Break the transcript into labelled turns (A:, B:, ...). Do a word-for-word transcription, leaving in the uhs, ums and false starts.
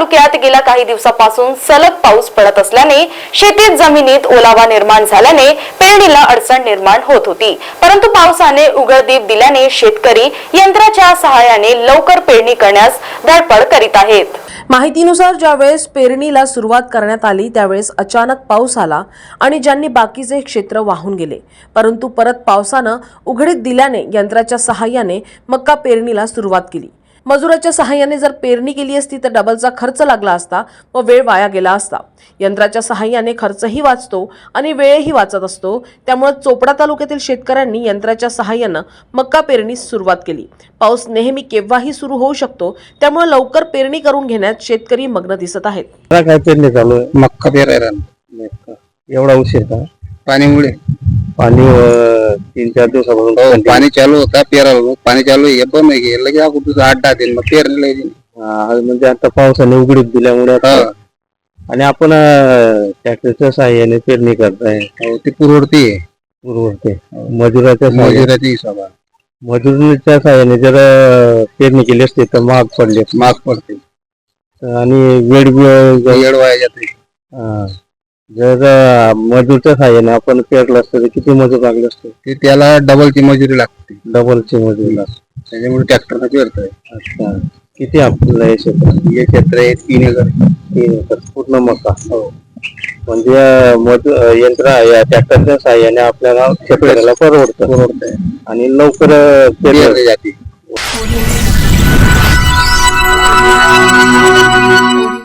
A: तालुक्यात गेल्या काही दिवसापासून सलग पाऊस पडत असल्याने शेतीत जमिनीत ओलावा निर्माण झाल्याने पेरणीला अडचण निर्माण होत होती। परंतु पावसाने उघडदीप दिल्याने शेतकरी यंत्राच्या सहाय्याने लवकर पेरणी करण्यास धडपड करीत आहेत।
B: माहितीनुसार ज्यावेळेस पेरणीला सुरुवात करण्यात आली त्यावेळेस अचानक पाऊस आला आणि ज्यांनी बाकीचे क्षेत्र वाहून गेले। परंतु परत पावसानं उघडीप दिल्याने यंत्राच्या सहाय्याने मक्का पेरणीला सुरुवात केली। मजुराच्या सहाय्याने जर पेरणी केली असती तर डबलचा खर्च लागला असता व वेळ वाया गेला असता। यंत्राच्या सहाय्याने खर्चही वाचतो आणि वेळही वाचत असतो। त्यामुळे चोपडा तालुक्यातील शेतकऱ्यांनी यंत्राच्या सहाय्याने मक्का पेरणीस सुरुवात केली। पाऊस नेहमी केव्हाही सुरू होऊ शकतो, त्यामुळे लवकर पेरणी करून घेण्यात शेतकरी मग्न दिसत आहेत।
C: काय पेरणी चालू आहे? मक्का पेरायला एवढा उशीर का? पाणीमुळे पाणी तीन चार दिवसापासून पाणी चालू होता, पेरायला पाणी चालू आहे पण लगे अगोदर आठ दहा दिन मग पेरणी म्हणजे आता पावसाने उघडीप दिल्यामुळे आणि आपण ट्रॅक्टरच्या सहाय्याने पेरणी करताय ती पुरवडती आहे पुरवडते मजुराच्या मजुराच्या हिशोबात मजुरीच्या सहाय्याने जर पेरणी केली असते तर महाग पडले महाग पडते आणि वेळ वेळ वाया जाते। जर मजूरच्या सहाय्याने आपण पेरलं असतं तर किती मजूर लागले असते? ते त्याला डबलची मजुरी लागते डबलची मजुरी लागते त्याच्यामुळे ट्रॅक्टरला पेरतोय। अच्छा, किती आपल्याला हे क्षेत्र? हे क्षेत्र आहे तीन एकर तीन एकर पूर्ण मका। हो, म्हणजे मजूर यंत्र या ट्रॅक्टरच्या सहाय्याने आपल्याला शेतकऱ्याला परवडतं परवडतंय आणि लवकर पेरली जाते।